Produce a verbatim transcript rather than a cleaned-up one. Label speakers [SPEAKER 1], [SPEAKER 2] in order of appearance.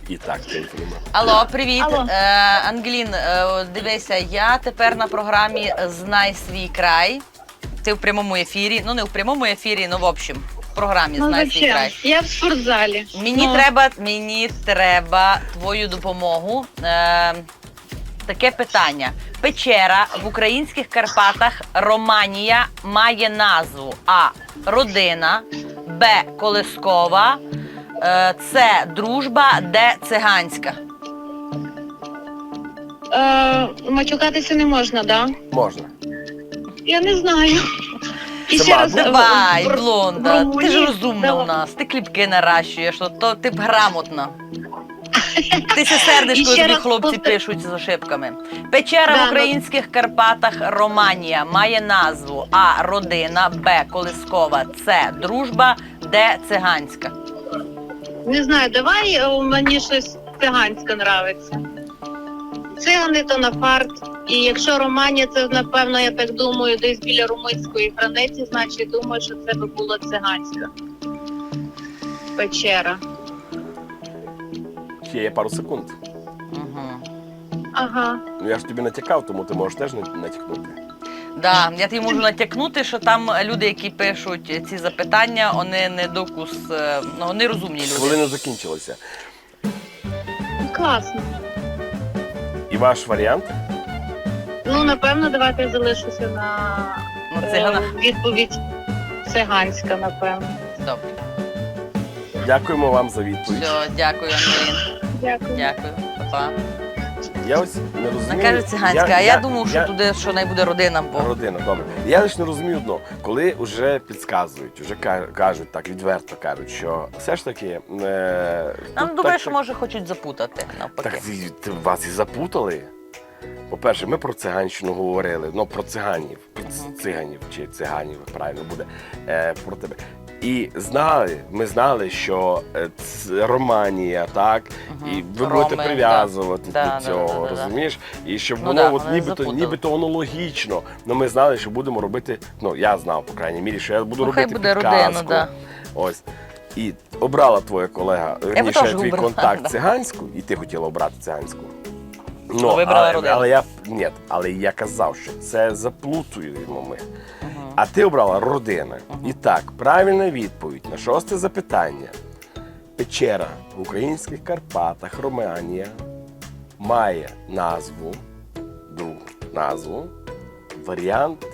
[SPEAKER 1] І так, телефонуємо.
[SPEAKER 2] Алло, привіт.
[SPEAKER 3] Алло.
[SPEAKER 2] Е, Ангелін, е, дивися, я тепер на програмі «Знай свій край». Ти в прямому ефірі. Ну, не в прямому ефірі, ну, в общем, в програмі
[SPEAKER 3] Ну
[SPEAKER 2] «Знай свій
[SPEAKER 3] зачем?
[SPEAKER 2] край».
[SPEAKER 3] Я в спортзалі.
[SPEAKER 2] Мені
[SPEAKER 3] Ну,
[SPEAKER 2] треба, мені треба твою допомогу. Е, таке питання. Печера в українських Карпатах Романія має назву А. Родина, Б. Колискова, е, С. Дружба, Д. Циганська.
[SPEAKER 3] Е, матюкатися не можна, да?
[SPEAKER 1] Можна.
[SPEAKER 3] Я не знаю. І
[SPEAKER 1] Це
[SPEAKER 3] ще раз,
[SPEAKER 1] мабуть.
[SPEAKER 2] Давай,
[SPEAKER 3] в- в- в
[SPEAKER 2] блонда, ти
[SPEAKER 3] Румунії-
[SPEAKER 2] ж розумна
[SPEAKER 3] Давай.
[SPEAKER 2] у нас, ти кліпки наращуєш, то, то ти б грамотна. Ти се сердиш,
[SPEAKER 3] І
[SPEAKER 2] коли
[SPEAKER 3] ще
[SPEAKER 2] тобі
[SPEAKER 3] раз
[SPEAKER 2] хлопці
[SPEAKER 3] повтор-
[SPEAKER 2] пишуть з ошибками. Печера
[SPEAKER 3] Да,
[SPEAKER 2] в
[SPEAKER 3] ну-
[SPEAKER 2] українських Карпатах Романія має назву А. Родина, Б. Колискова, С. Дружба, Д. Циганська.
[SPEAKER 3] Не знаю, давай е, мені щось циганське нравиться. Цигани то на фарт. І якщо Романія, це напевно, я так думаю, десь біля румунської границі, значить думаю, що це би була циганська печера.
[SPEAKER 1] Ще є пару секунд.
[SPEAKER 2] Угу.
[SPEAKER 3] Ага.
[SPEAKER 1] Ну я ж тобі натякав, тому ти можеш теж не- натякнути.
[SPEAKER 2] Да, я тобі можу натякнути, що там люди, які пишуть ці запитання, вони не докус, е, ну, вони розумні люди.
[SPEAKER 1] Хвилина закінчилася.
[SPEAKER 3] Класно.
[SPEAKER 1] І ваш варіант?
[SPEAKER 3] Ну, напевно, давайте я залишуся на
[SPEAKER 2] На
[SPEAKER 3] е,
[SPEAKER 2] циганах.
[SPEAKER 3] відповідь циганська, напевно.
[SPEAKER 2] Добре.
[SPEAKER 1] Дякуємо вам за відповідь.
[SPEAKER 2] Все, дякую, Ангелін.
[SPEAKER 3] Дякую.
[SPEAKER 2] Дякую. Па-па.
[SPEAKER 1] Я ось не розумію.
[SPEAKER 2] Вона каже циганська, а я думав, що туди що не буде родина, бо
[SPEAKER 1] Родина, добре. Я лише не розумію одно, коли вже підказують, вже ка- кажуть так, відверто кажуть, що все ж таки. Е,
[SPEAKER 2] нам
[SPEAKER 1] тут
[SPEAKER 2] добре,
[SPEAKER 1] так-
[SPEAKER 2] що може хочуть запутати навпаки.
[SPEAKER 1] Так і- ти- вас і запутали. По-перше, ми про циганщину говорили, ну про циганів, про ц-
[SPEAKER 2] Мгм.
[SPEAKER 1] циганів чи циганів, правильно буде, е, про тебе. І знали, ми знали, що е, ц- Романія, так,
[SPEAKER 2] Мгм.
[SPEAKER 1] і ви
[SPEAKER 2] Роми,
[SPEAKER 1] будете прив'язувати
[SPEAKER 2] да. Да,
[SPEAKER 1] до
[SPEAKER 2] да,
[SPEAKER 1] цього,
[SPEAKER 2] да, да, да.
[SPEAKER 1] розумієш? І щоб
[SPEAKER 2] Ну
[SPEAKER 1] воно
[SPEAKER 2] да,
[SPEAKER 1] от
[SPEAKER 2] вони
[SPEAKER 1] нібито,
[SPEAKER 2] запутали.
[SPEAKER 1] нібито воно логічно. Ну ми знали, що будемо робити, ну я знав, по крайній мірі, що я буду
[SPEAKER 2] Ну, хай
[SPEAKER 1] робити
[SPEAKER 2] буде
[SPEAKER 1] підказку.
[SPEAKER 2] родину, да.
[SPEAKER 1] Ось. І обрала твоя колега, верніше,
[SPEAKER 2] теж
[SPEAKER 1] твій
[SPEAKER 2] обрала,
[SPEAKER 1] контакт
[SPEAKER 2] да.
[SPEAKER 1] циганську, і ти хотіла обрати циганську.
[SPEAKER 2] Ну, вибрала
[SPEAKER 1] але,
[SPEAKER 2] родину.
[SPEAKER 1] але я ні, але я казав, що це заплутуємо ми.
[SPEAKER 2] Мгм.
[SPEAKER 1] А ти обрала родина.
[SPEAKER 2] Мгм.
[SPEAKER 1] І так, правильна відповідь на шосте запитання. Печера в українських Карпатах Романія має назву, другу назву, варіант